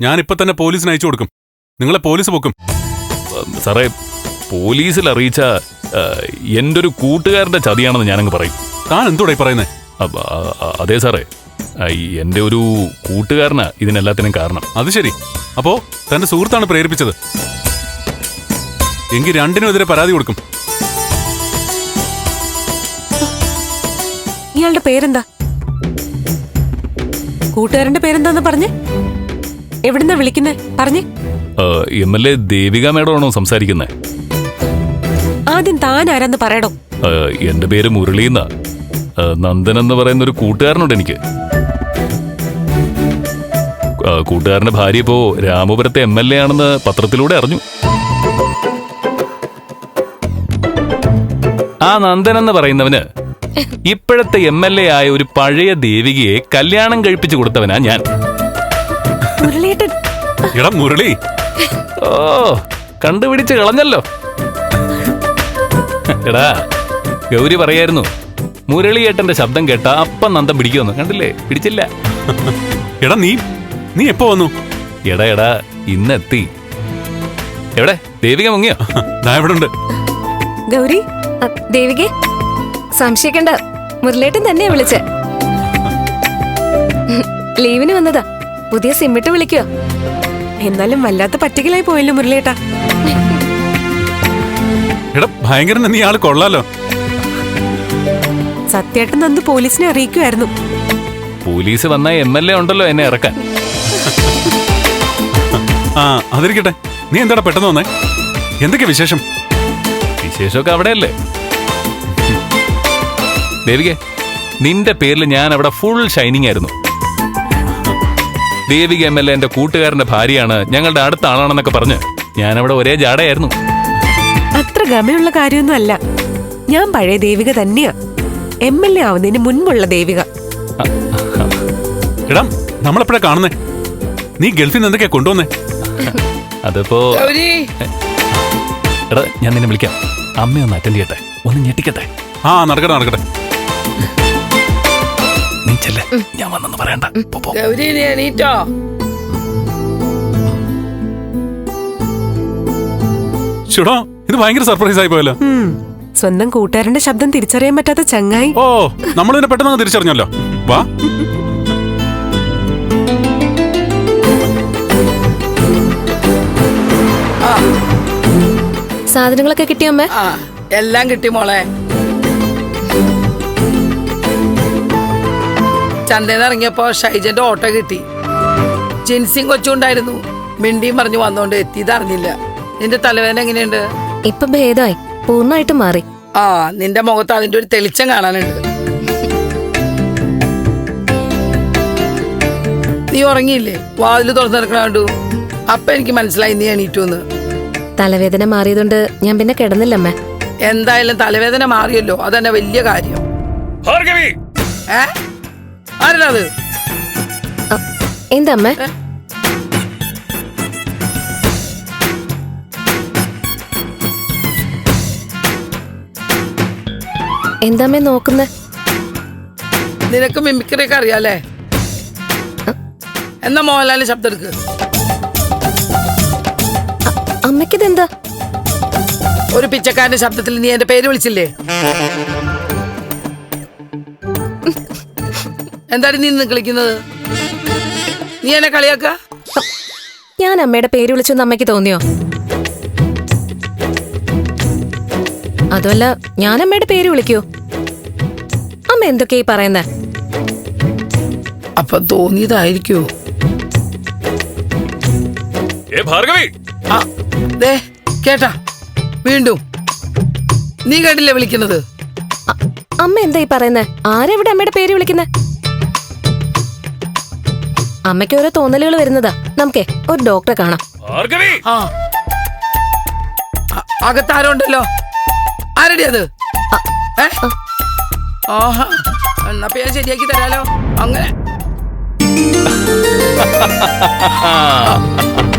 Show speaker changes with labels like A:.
A: ഞാനിപ്പോ തന്നെ പോലീസിന് അയച്ചു കൊടുക്കും. നിങ്ങളെ പോലീസ് പൊക്കും.
B: സാറേ, പോലീസിൽ അറിയിച്ച എൻ്റെ ഒരു കൂട്ടുകാരന്റെ ചതിയാണെന്ന് ഞാനങ്ങ് പറയും.
A: താൻ എന്തോടായി പറയുന്നേ?
B: അതെ സാറേ, എൻ്റെ ഒരു കൂട്ടുകാരനാ ഇതിനെല്ലാത്തിനും കാരണം.
A: അത് ശരി. അപ്പോ തന്റെ സുഹൃത്താണ് പ്രേരിപ്പിച്ചത്. എങ്കിൽ രണ്ടിനും എതിരെ പരാതി കൊടുക്കും.
C: ഇയാളുടെ പേരെന്താ? കൂട്ടുകാരന്റെ പേരെന്താന്ന് പറഞ്ഞേ? എവിടുന്നാ വിളിക്കുന്നേ പറഞ്ഞേ?
B: MLA ദേവിക മേഡമാണോ സംസാരിക്കുന്നത്?
C: ആദ്യം താൻ ആരാന്ന് പറയടോ.
B: എന്റെ പേര് മുരളീന്ന. നന്ദൻ എന്ന് പറയുന്ന ഒരു കൂട്ടുകാരനുണ്ട് എനിക്ക്. കൂട്ടുകാരന്റെ ഭാര്യ ഇപ്പോ രാമപുരത്തെ MLA ആണെന്ന് പത്രത്തിലൂടെ അറിഞ്ഞു. ആ നന്ദൻ എന്ന് പറയുന്നവന് ഇപ്പോഴത്തെ MLA ആയ ഒരു പഴയ ദേവികയെ കല്യാണം കഴിപ്പിച്ചു കൊടുത്തവനാ ഞാൻ.
A: മുരളി,
B: ഓ, കണ്ടുപിടിച്ച് കളഞ്ഞല്ലോ. എടാ, ഗൗരി പറയായിരുന്നു മുരളിയേട്ടന്റെ ശബ്ദം കേട്ടാ അപ്പം നന്ദം പിടിക്കുമെന്ന്. കണ്ടില്ലേ? പിടിച്ചില്ല.
A: എടാ നീ എപ്പോ വന്നു?
B: എടാ ഇന്നെത്തി. എവിടെ ദേവിക മുങ്ങിയോ?
A: ഇവിടെ ഉണ്ട്.
C: ഗൗരി,
D: ദേവികെ സംശയിക്കണ്ട, മുരളേട്ടൻ തന്നെയാ വിളിച്ചേ. ലീവിന് വന്നതാ. പുതിയ സിമ്മിട്ട് വിളിക്കോ?
C: എന്നാലും വല്ലാത്ത പറ്റിക്കലായി പോയല്ലോ മുരളിയേട്ടാ.
A: എടാ ഭയങ്കര നീ ആള് കൊള്ളാലോ.
C: സത്യേട്ടൻ നന്ദു പോലീസിനെ അറിയിക്കുമായിരുന്നു.
B: പോലീസ് വന്ന MLA ഉണ്ടല്ലോ എന്നെ ഇറക്കാൻ.
A: ആ അതിരിക്കട്ടെ. നീ എന്താടാ പെട്ടെന്ന് വന്നേ? എന്തൊക്കെ വിശേഷം?
B: വിശേഷമൊക്കെ അവിടെയല്ലേ. ദേവികെ, നിന്റെ പേരിൽ ഞാൻ അവിടെ ഫുൾ ഷൈനിങ് ആയിരുന്നു. ദേവിക MLA എന്റെ കൂട്ടുകാരന്റെ ഭാര്യയാണ്, ഞങ്ങളുടെ അടുത്ത ആളാണെന്നൊക്കെ പറഞ്ഞ് ഞാൻ അവിടെ ഒരേ ജാടയായിരുന്നു.
C: അത്ര ഗമയുള്ള കാര്യമൊന്നും അല്ല. ഞാൻ പഴയ ദേവിക തന്നെയാ, MLA ആവുന്നതിന് മുൻപുള്ള ദേവിക.
A: എടാ നമ്മളെപ്പോഴാ കാണുന്നേ? നീ ഗൾഫിൽ നിന്ന് എന്തൊക്കെയാ കൊണ്ടുവന്നേ?
B: അതിപ്പോ എടാ ഞാൻ നിന്നെ വിളിക്കാം. അമ്മയൊന്ന് അറ്റൻഡ് ചെയ്യട്ടെ, ഒന്ന് ഞെട്ടിക്കട്ടെ.
A: ആ നടക്കട്ടെ.
B: നീ ചെല്ലേ, ഞാൻ വന്നെന്ന് പറയണ്ട.
A: ചേടാ ഇത് ഭയങ്കര സർപ്രൈസ് ആയി പോയല്ലോ.
C: സ്വന്തം കൂട്ടുകാരന്റെ ശബ്ദം തിരിച്ചറിയാൻ പറ്റാത്ത ചങ്ങായി.
A: ഓ, നമ്മൾ ഇതിനെ പെട്ടെന്ന് തിരിച്ചറിഞ്ഞല്ലോ. വാ.
D: സാധനങ്ങളൊക്കെ കിട്ടിയോ അമ്മേ?
E: എല്ലാം കിട്ടി മോളെ. ചന്തയിൽ ഇറങ്ങിയപ്പോ ഷൈജന്റെ ഓട്ടോ കിട്ടി. ജിൻസിങ് കൊച്ചുണ്ടായിരുന്നു. മിണ്ടിയും പറഞ്ഞു വന്നോണ്ട് എത്തിയതറിഞ്ഞില്ല. നിന്റെ തലവേദന എങ്ങനെയുണ്ട്?
D: ഇപ്പൊ ഭേദമായി, പൂർണ്ണമായിട്ട് മാറി.
E: ആ, നിന്റെ മുഖത്ത് അതിന്റെ ഒരു തെളിച്ചം കാണാനുണ്ട്. നീ ഉറങ്ങിയില്ലേ? വാതില് തുറന്നു നടക്കണു. അപ്പൊ എനിക്ക് മനസ്സിലായി നീ എണീറ്റൂന്ന്.
D: തലവേദന മാറിയതുകൊണ്ട് ഞാൻ പിന്നെ കിടന്നില്ലമ്മേ.
E: എന്തായാലും തലവേദന മാറിയല്ലോ, അതന്നെ വലിയ കാര്യം. ആരാത്?
D: എന്താ അമ്മേ? എന്താമ്മേ നോക്കുന്നേ?
E: നിനക്ക് മിമിക്രി ഒക്കെ അറിയാലേ? എന്നാ മോഹൻലാലിന്റെ ശബ്ദം എടുക്ക്.
D: അമ്മയ്ക്കിതെന്താ?
E: ഒരു പിച്ചക്കാരന്റെ ശബ്ദത്തിൽ നീ എന്റെ പേര് വിളിച്ചില്ലേ? എന്താണ് നീ നിന്ന് കളിക്കുന്നത്? നീ എന്നെ കളിയാക്ക?
D: ഞാൻ അമ്മയുടെ പേര് വിളിച്ചെന്ന് അമ്മയ്ക്ക് തോന്നിയോ? അതുമല്ല, ഞാൻ അമ്മയുടെ പേര് വിളിക്കൂ? അമ്മ എന്തൊക്കെയാ പറയുന്നേ?
E: അപ്പൊ തോന്നിയതായിരിക്കോ? കേട്ടാ വീണ്ടും നീ കേട്ടില്ലേ വിളിക്കുന്നത്?
D: അമ്മ എന്താ ഈ പറയുന്നേ? ആരെവിടെ അമ്മയുടെ പേര് വിളിക്കുന്നേ? അമ്മയ്ക്ക് ഓരോ തോന്നലുകൾ വരുന്നതാ. നമുക്കേ ഒരു ഡോക്ടറെ കാണാം.
E: അകത്താരോ ഉണ്ടല്ലോ. ആരടി അത്? ആഹാ, എന്നാ പേര് ശരിയാക്കി തരാലോ. അങ്ങനെ